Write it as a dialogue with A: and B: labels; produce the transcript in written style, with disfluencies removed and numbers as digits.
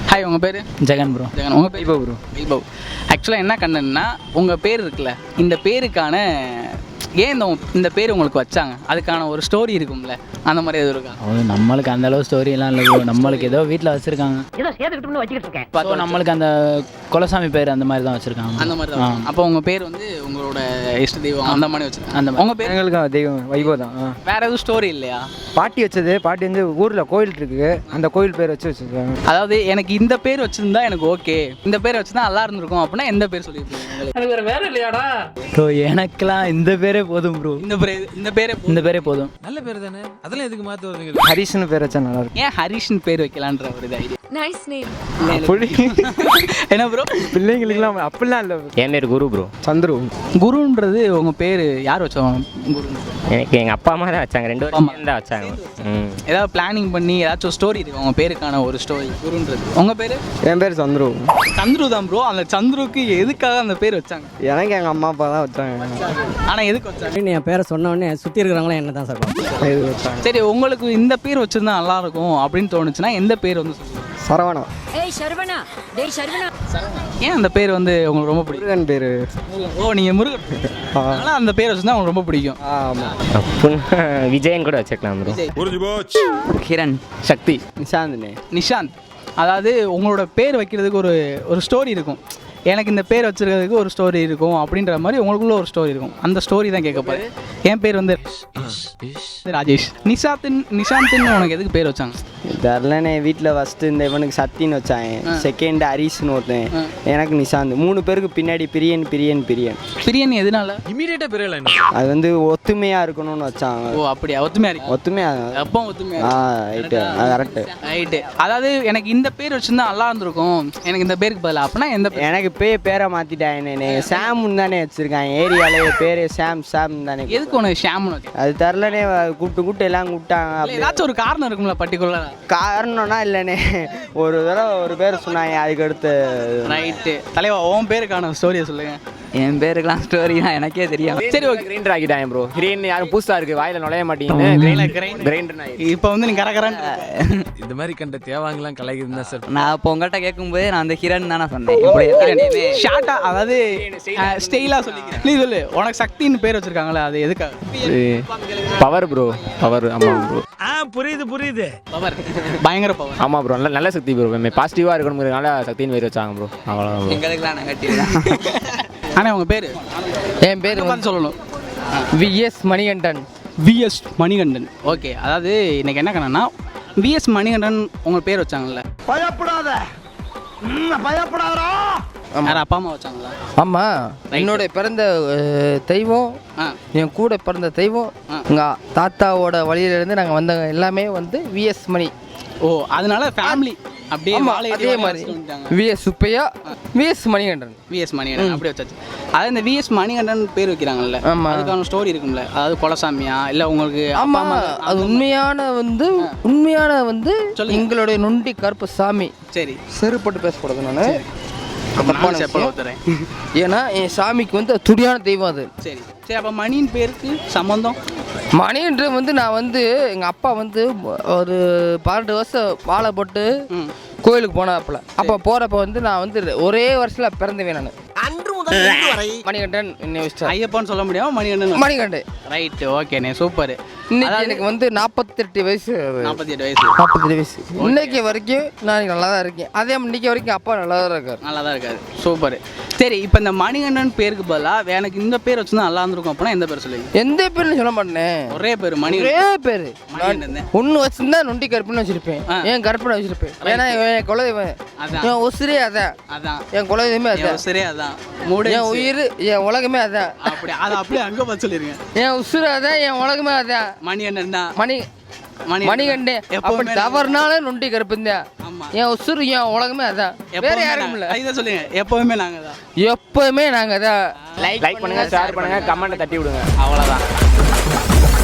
A: Hi, உங்கள் பேர்?
B: Jagan bro.
A: Jagan. உங்கள் பேர்?
B: ப்ரோ.
A: வைபவ். ஆக்சுவலாக என்ன கண்டன்னா, உங்கள் பேர் இருக்குல்ல, இந்த பேருக்கான ஏன் இந்த பேர் உங்களுக்கு வச்சாங்க, அதுக்கான ஒரு ஸ்டோரி இருக்கும்ல, அந்த மாதிரி எதுவும் இருக்கா?
B: அது நம்மளுக்கு அந்த அளவு ஸ்டோரியெல்லாம் இல்லை ப்ரோ. நம்மளுக்கு ஏதோ வீட்டில் வச்சுருக்காங்க,
C: ஏதோ சேர்த்துக்கிட்டு வச்சுக்கிட்டு இருக்கேன்.
B: ஸோ நம்மளுக்கு அந்த குலசாமி பேர் அந்த மாதிரி தான் வச்சுருக்காங்க.
A: அந்த மாதிரி தான். அப்போ உங்கள் பேர் வந்து உங்களோட இஷ்ட தெய்வம் அந்த மாதிரி வச்சுருக்காங்க. அந்த உங்கள் பேர்?
D: எங்களுக்கு தெய்வம் வைபவ் தான்.
A: வேறு எதுவும் ஸ்டோரி இல்லையா?
D: பாட்டி வச்சது. பாட்டி வந்து ஊரில் கோயில் இருக்குது, அந்த கோயில் பேர் வச்சுருக்காங்க.
A: அதாவது எனக்கு இந்த பேர் வச்சுருந்தா எனக்கு ஓகே, இந்த பேர் வச்சுருந்தா நல்லா இருந்திருக்கும் அப்படின்னா எந்த பேர் சொல்லியிருக்கீங்க?
C: எனக்கு வேற வேற இல்லையாடா
B: ப்ரோ, எனக்கெல்லாம் இந்த பேரே போதும் ப்ரோ.
A: இந்த பேரே போதும்.
E: நல்ல பேர் தானே, அதெல்லாம் எதுக்கு மாற்ற வருதுங்க?
D: ஹரிஷ்னு பேர் வச்சா நல்லா இருக்கும்.
A: ஏன் ஹரிஷ்னு பேர் வைக்கலான்ற ஒரு ஐடியா?
F: Nice name.
A: என்ன ப்ரோ?
D: பிள்ளைங்களுக்குலாம் அப்படிலாம் இல்லை.
G: என் பேர் குரு ப்ரோ.
D: சந்துரு.
A: குருன்றது உங்கள் பேர் யார் வச்சோம்? குரு
G: எனக்கு எங்கள் அப்பா அம்மா தான் வச்சாங்க, 2 வருஷம் தான் வச்சாங்க.
A: ஏதாவது பிளானிங் பண்ணி ஏதாச்சும் ஸ்டோரி இருக்கு உங்கள் பேருக்கான ஒரு ஸ்டோரி? குருன்றது உங்கள் பேர்?
D: என் பேர் சந்துரு.
A: சந்துரு தான் ப்ரோ. அந்த சந்துருக்கு எதுக்காக அந்த பேர் வச்சாங்க?
D: எனக்கு எங்கள் அம்மா அப்பா தான் வச்சாங்க.
A: ஆனால் எதுக்கு வச்சாங்க?
C: என் பேரை சொன்ன உடனே சுற்றி இருக்கிறவங்களாம் என்ன தான் சார்
D: இது வச்சாங்க.
A: சரி, உங்களுக்கு இந்த பேர் வச்சிருந்தா நல்லா இருக்கும் அப்படின்னு தோணுச்சுன்னா எந்த பேர் வந்து சொல்லுங்க?
D: சரவணா.
F: ஏய் சரவணா, டேய் சரவணா.
A: ஏன் அந்த பேர் வந்து உங்களுக்கு ரொம்ப பிடிக்கும்?
D: முருகன் பேர்.
A: ஓ, நீங்கள் முருகன். அதனால் அந்த பேர் வச்சுருந்தா உங்களுக்கு ரொம்ப பிடிக்கும்.
D: ஆமாம்.
G: அப்படின்னா விஜயன் கூட வச்சுக்கலாம் ப்ரோ.
B: கிரண்.
G: சக்தி.
D: நிஷாந்த்னே.
A: நிஷாந்த். அதாவது உங்களோட பேர் வைக்கிறதுக்கு ஒரு ஸ்டோரி இருக்கும். எனக்கு இந்த பேர் வச்சுருக்கிறதுக்கு ஒரு ஸ்டோரி இருக்கும் அப்படின்ற மாதிரி உங்களுக்குள்ள ஒரு ஸ்டோரி இருக்கும். அந்த ஸ்டோரி தான் கேட்க போகிறேன். என் பேர் வந்து ராஜேஷ். நிஷாந்த்னு உனக்கு எதுக்கு பேர் வச்சாங்க?
D: தெரிலனே. வீட்டில் ஃபஸ்ட்டு இந்த இவனுக்கு சத்தின்னு வச்சாங்க, செகண்ட் ஹரிஷ்னு ஒருத்தன், எனக்கு நிஷாந்த். 3 பேருக்கு பின்னாடி பிரியன்.
A: பிரியன் எதனால?
E: இமீடியட்டாக பேர் இல்லை.
D: அது வந்து ஒத்துமையாக இருக்கணும்னு வச்சாங்க.
A: ஓ, அப்படியா? ஒத்துமையா இருக்கு.
D: ஒத்துமையாக.
A: அப்போ ஒத்துமையா.
D: Right, correct.
A: ரைட்டு. அதாவது எனக்கு இந்த பேர் வச்சுருந்தா நல்லா இருந்திருக்கும், எனக்கு இந்த பேருக்கு பதிலாக அப்படின்னா எந்த பேர்?
D: எனக்கு பேரை மாற்றிட்டாங்கண்ணே. சாம்னு தானே வச்சுருக்காங்க ஏரியாலே. பேர் சாம் தானே.
A: எதுக்கு உனக்கு ஷாம்னு வச்சு?
D: அது தெரிலனே. கூப்பிட்டு எல்லாம் கூப்பிட்டாங்க.
A: ஏதாச்சும் ஒரு காரணம் இருக்கும்ல பர்டிகுலராக?
D: காரணம்னா இல்லைண்ணே, ஒரு தடவை ஒரு பேர் சொன்னாங்க, அதுக்கு அடுத்து.
A: ரைட்டு. தலைவா, உன் பேருக்கான ஸ்டோரியை சொல்லுங்க.
B: என் பேருக்கெல்லாம் ஸ்டோரி தான் எனக்கே தெரியும்.
A: சரி, ஓகே.
G: கிரைண்டர் ஆகிட்டாங்க ப்ரோ. கிரைண்ட் யாரும் புதுசாக இருக்குது, வாயில் நுழைய மாட்டேங்குது. கிரைண்டர்
A: இப்போ வந்து நீ கரகரன்
E: இந்த மாதிரி கண்ட தேவாங்கலாம் கலைக்குதுன்னு தான் சார்.
B: நான் இப்போ உங்கள்கிட்ட கேட்கும்போது நான் அந்த கிரண் தானே சொன்னேன்.
A: ஷார்ட்டா, அதாவது ஸ்டைலாக சொல்லிக்கிறேன். நீ சொல்லு, உனக்கு சக்தின்னு பேர் வச்சிருக்காங்களே, அது எதுக்காக?
G: Power bro. பவர். ஆமாம் ப்ரோ.
E: புரியுது.
A: பவர், பயங்கர பவர்.
G: ஆமாம் ப்ரோ. நல்ல சக்தி ப்ரோ. பாசிட்டிவாக இருக்கணுங்கிறதுனால சக்தின்னு பேர் வச்சாங்க ப்ரோ. அவ்வளோதான் ப்ரோ.
B: எங்களுக்குலாம் நெகட்டிவ்.
A: ஆனால் உங்கள் பேர்?
B: என் பேர்
A: பார்த்து சொல்லணும்.
B: VS Manikandan.
A: VS Manikandan. Okay. அதாவது இன்னைக்கு என்ன கணன்னா, விஎஸ் மணிகண்டன் உங்கள் பேர் வச்சாங்கல்ல?
C: பயப்படாதா
A: யார் அப்பா அம்மா வச்சாங்களா?
H: ஆமாம், என்னோட பிறந்த தெய்வம், என் கூட பிறந்த தெய்வம், எங்கள் தாத்தாவோட வழியிலேருந்து நாங்கள் வந்தவங்க எல்லாமே வந்து விஎஸ் மணி.
A: ஓ, அதனால ஃபேமிலி அப்படியே
H: அதே மாதிரி VS Subbaiah, VS Manikandan.
A: VS Manikandan அப்படி வச்சாச்சு. அதாவது இந்த விஎஸ் மணிகண்டன் பேர் வைக்கிறாங்கல்ல, அதுக்கான ஸ்டோரி இருக்கும்ல? அதாவது கொலசாமியா இல்லை உங்களுக்கு?
H: ஆமாம், அது உண்மையான வந்து எங்களுடைய நொண்டி கருப்பு சாமி.
A: சரி,
H: செருப்பட்டு பேசக்கூடாது. நான் ஏன்னா என் சாமிக்கு வந்து துடியான தெய்வம் அது.
A: சரி சரி. அப்போ மணியின் பேருக்கு சம்மந்தம்?
H: மணின்ற வந்து நான் வந்து எங்கள் அப்பா வந்து ஒரு 12 வருஷம் வாழை போட்டு கோயிலுக்கு போனாப்புல. அப்போ போகிறப்ப வந்து நான் வந்து ஒரே வருஷத்தில் பிறந்தவேன் நான். மணிகண்டன் என்ன
A: ஐயப்பான்னு சொல்ல முடியாம மணிகண்டன். ரைட்டு, ஓகேண்ணே, சூப்பர்.
H: இன்னைக்கு எனக்கு வந்து 48 வயசு.
A: 48
H: வயசு. இன்னைக்கு வரைக்கும் நான் நல்லா தான் இருக்கேன். அதே இன்னைக்கு வரைக்கும் அப்பா நல்லா தான் இருக்காரு.
A: நல்லா தான் இருக்காரு. சூப்பர். சரி, இப்போ இந்த மணிகண்டன் பேருக்கு பதிலாக எனக்கு இந்த பேர் வச்சுருந்தா நல்லா இருந்திருக்கும் அப்படின்னா எந்த பேர் சொல்லுவீங்க?
H: எந்த பேர்னு சொல்ல மாட்டேன்.
A: ஒரே பேர் மணி.
H: ஒரே பேர் ஒன்று வச்சிருந்தா நொண்டி கருப்புன்னு வச்சிருப்பேன். ஏன் கருப்புன்னு வச்சிருப்பேன்? ஏன்னா என் குலதெய்வம், என் உசிரே அதான். என் குலதெய்வமே அதான்.
A: உசிரே அதான்.
H: என் உயிர், என் உலகமே அதான்.
A: அப்படி அதை அப்படியே அங்கே பார்த்து சொல்லிருங்க.
H: என் உசுறு அதான், என் உலகமே அதான்.
A: மணிகண்டன் தான்.
H: மணிகண்டே. அப்படி தவறுனால நொண்டி கருப்புந்தேன். என் உசுறு, என் உலகமே அதான். வேற யாரும் இல்லை.
A: இதை சொல்லுங்க. எப்பவுமே நாங்கள் தான்.
H: எப்பவுமே நாங்கள் தான்.
G: லைக் பண்ணுங்க, ஷேர் பண்ணுங்க, கமெண்ட் தட்டி விடுங்க.
A: அவ்வளோதான்.